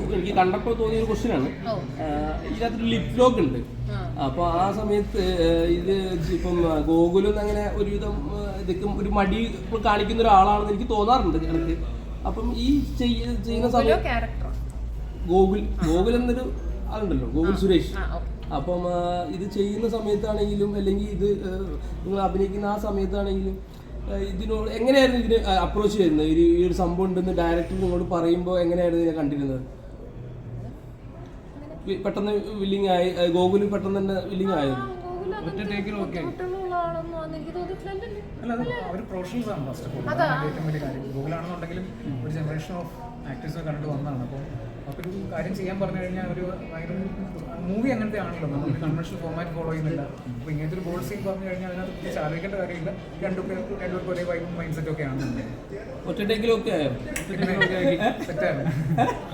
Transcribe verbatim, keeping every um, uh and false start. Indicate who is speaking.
Speaker 1: എനിക്ക് കണ്ടപ്പോൾ തോന്നിയ ഒരു ക്വസ്റ്റ്യൻ ആണ്. ഇതിനകത്തൊരു ലിപ് ലോക്ക് ഉണ്ട്. അപ്പോൾ ആ സമയത്ത് ഇത് ഇപ്പം ഗോകുലും അങ്ങനെ ഒരുവിധം ഇതൊക്കെ ഒരു മടി കാണിക്കുന്ന ഒരാളാണെന്ന് എനിക്ക് തോന്നാറുണ്ട് എനിക്ക്. അപ്പം ഈ ചെയ്യുന്ന സമയത്ത് ഗോകുൽ ഗോകുൽ എന്നൊരു ആളുണ്ടല്ലോ, ഗോകുൽ സുരേഷ്. അപ്പം ഇത് ചെയ്യുന്ന സമയത്താണെങ്കിലും അല്ലെങ്കിൽ ഇത് നിങ്ങൾ അഭിനയിക്കുന്ന ആ സമയത്താണെങ്കിലും ഇതിനോട് എങ്ങനെയായിരുന്നു ഇതിന് അപ്രോച്ച് ചെയ്യുന്നത്? ഈ ഒരു സംഭവം ഉണ്ടെന്ന് ഡയറക്ടർ നിങ്ങളോട് പറയുമ്പോൾ എങ്ങനെയായിരുന്നു ഇതിനെ കണ്ടിരുന്നത്? പെട്ടെന്ന് വില്ലിങ് ആയി ഗോകുൽ പെട്ടെന്ന് തന്നെ വില്ലിങ് ആയിരുന്നു.
Speaker 2: ഒറ്റ ടേക്കിൽ ഓക്കെ അല്ല, അത് അവർ പ്രൊഫഷണൽസ് ആണ് ഫസ്റ്റ് ഓഫ് ഓൾ. ഏറ്റവും വലിയ കാര്യം ഗൂഗിളാണെന്നുണ്ടെങ്കിലും ഒരു ജനറേഷൻ ഓഫ് ആക്ടേഴ്സിനെ കണ്ടിട്ട് വന്നതാണ്. അപ്പോൾ അവർക്കൊരു കാര്യം ചെയ്യാൻ പറഞ്ഞു കഴിഞ്ഞാൽ ഒരു ഭയങ്കര മൂവി അങ്ങനത്തെ ആണല്ലോ, നമ്മളൊരു കൺവെൻഷണൽ ഫോർമാറ്റ് ഫോളോ ചെയ്യുന്നില്ല. അപ്പോൾ ഇങ്ങനത്തെ ഒരു ബോൾഡ് സീൻ പറഞ്ഞു കഴിഞ്ഞാൽ അതിനകത്ത് പ്രത്യേകിച്ച് ആലോചിക്കേണ്ട കാര്യമില്ല. രണ്ടുപേർ രണ്ടുപേർക്ക് ഒരേ വൈബും മൈൻഡ് സെറ്റും ഒക്കെ ആണ്.
Speaker 1: ഒറ്റ ടേക്കിലൊക്കെ ആയോ?
Speaker 2: സെറ്റായിരുന്നു.